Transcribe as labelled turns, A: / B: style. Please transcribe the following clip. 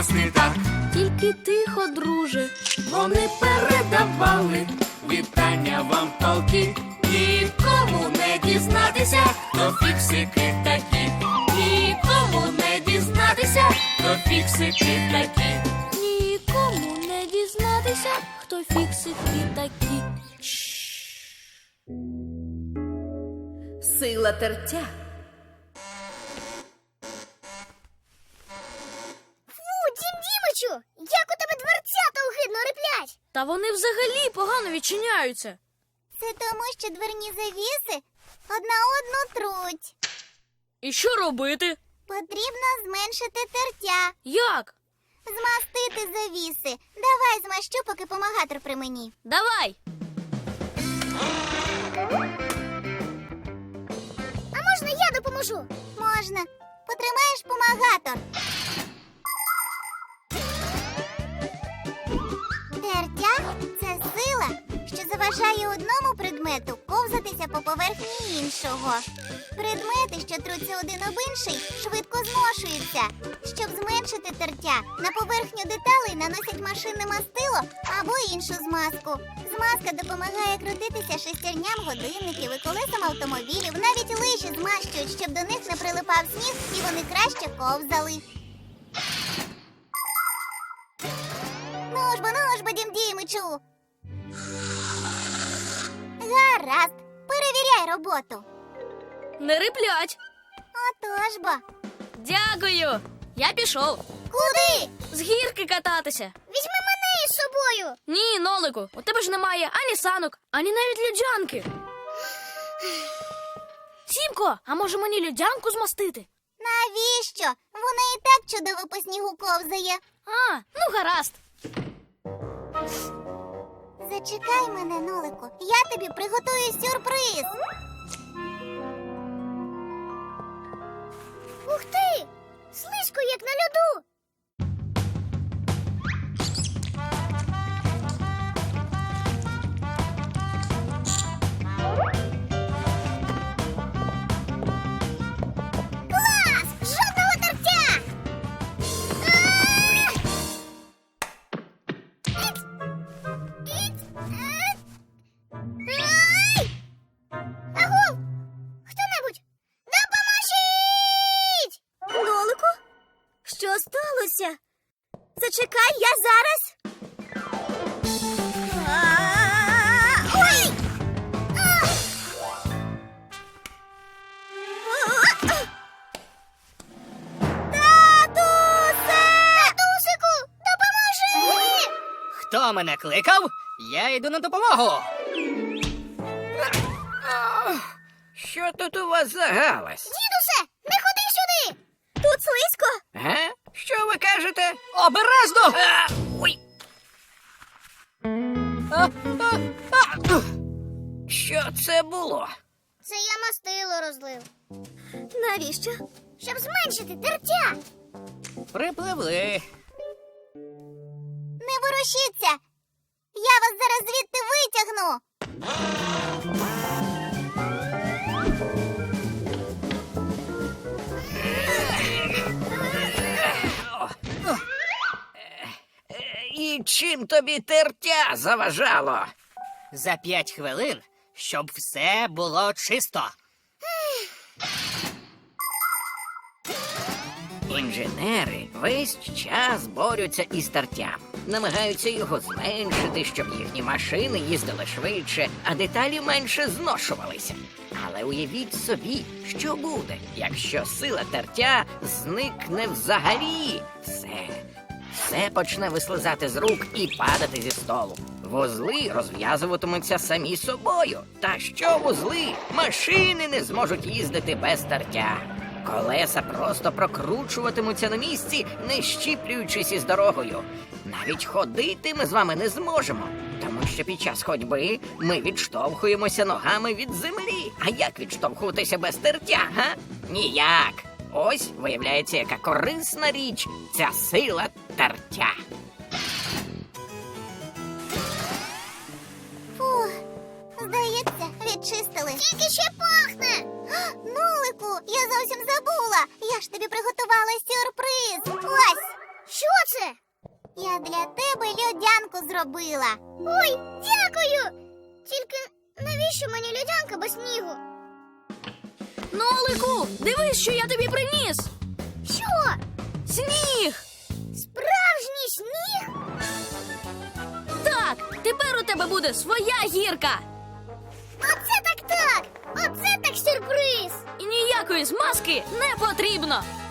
A: щось не так.
B: Тільки тихо, друже.
A: Вони передавали вітання вам толки. Нікому не дізнатися, хто фіксики такі. Нікому не дізнатися, хто фіксики такі.
B: Нікому не дізнатися, хто фіксики такі.
C: Сила тертя.
D: Дім Дімичу, як у тебе дверцята огидно риплять?
B: Та вони взагалі погано відчиняються.
D: Це тому, що дверні завіси одна одну труть.
B: І що робити?
D: Потрібно зменшити тертя,
B: Як?
D: змастити завіси. Давай змащу, поки помагатор при мені.
B: Давай.
D: А можна я допоможу? Можна. Потримаєш помагатор. Тертя – це сила, що заважає одному предмету ковзатися по поверхні іншого. Предмети, що труться один об інший, швидко зношуються. Щоб зменшити тертя, на поверхню деталей наносять машинне мастило або іншу змазку. Змазка допомагає крутитися шестерням годинників і колесам автомобілів. Навіть лижі змащують, щоб до них не прилипав сніг і вони краще ковзали. Ну ж бо, Дім Дімичу. Гаразд, перевіряй роботу.
B: Не риплять.
D: Отож бо.
B: Дякую. Я пішов.
D: Куди?
B: З гірки кататися.
D: Візьми мене із собою.
B: Ні, Нолику, у тебе ж немає ані санок, ані навіть людянки. Сімко, а може мені людянку змастити?
D: Навіщо? Вона і так чудово по снігу ковзає.
B: А, ну гаразд.
D: Зачекай мене, Нолику. Я тобі приготую сюрприз. Ух ти! Слизько, як на льоду. Клас! Жодного тертя! Ай! Агов! Хто-небудь, допоможіть! Нолику? Що сталося? Зачекай, я зараз. Ой! Татусе! Татусику, допоможи!
E: Хто мене кликав? Я йду на допомогу. Що тут у вас за галас?
D: Дідусе, не ходи сюди! Тут слизько.
E: Га? Що ви кажете? Обережно! Ой! Що це було?
D: Це я мастило розлив. Навіщо? Щоб зменшити тертя.
E: Припливли.
D: Не ворушіться. Я вас зараз звідти витягну.
E: І чим тобі тертя заважало? За 5 хвилин, щоб все було чисто. Інженери весь час борються із тертям. Намагаються його зменшити, щоб їхні машини їздили швидше, а деталі менше зношувалися. Але уявіть собі, що буде, якщо сила тертя зникне взагалі. Все почне вислизати з рук і падати зі столу. Вузли розв'язуватимуться самі собою. Та що вузли? Машини не зможуть їздити без тертя. Колеса просто прокручуватимуться на місці, не щіплюючись із дорогою. Навіть ходити ми з вами не зможемо, тому що під час ходьби ми відштовхуємося ногами від землі. А як відштовхуватися без тертя, га? Ніяк. Ось, виявляється, яка корисна річ ця сила тертя.
D: Фух, здається, відчистили. Тільки ще пахне. Нолику, я зовсім забула. Я ж тобі приготувала сюрприз. Ось, Що це? Я для тебе льодянку зробила. Ой, дякую! Тільки навіщо мені льодянка без снігу?
B: Нолику, дивись, що я тобі приніс.
D: Що?
B: Сніг!
D: Справжній сніг?
B: Так, тепер у тебе буде своя гірка.
D: Оце так! Оце так сюрприз!
B: І ніякої змазки не потрібно.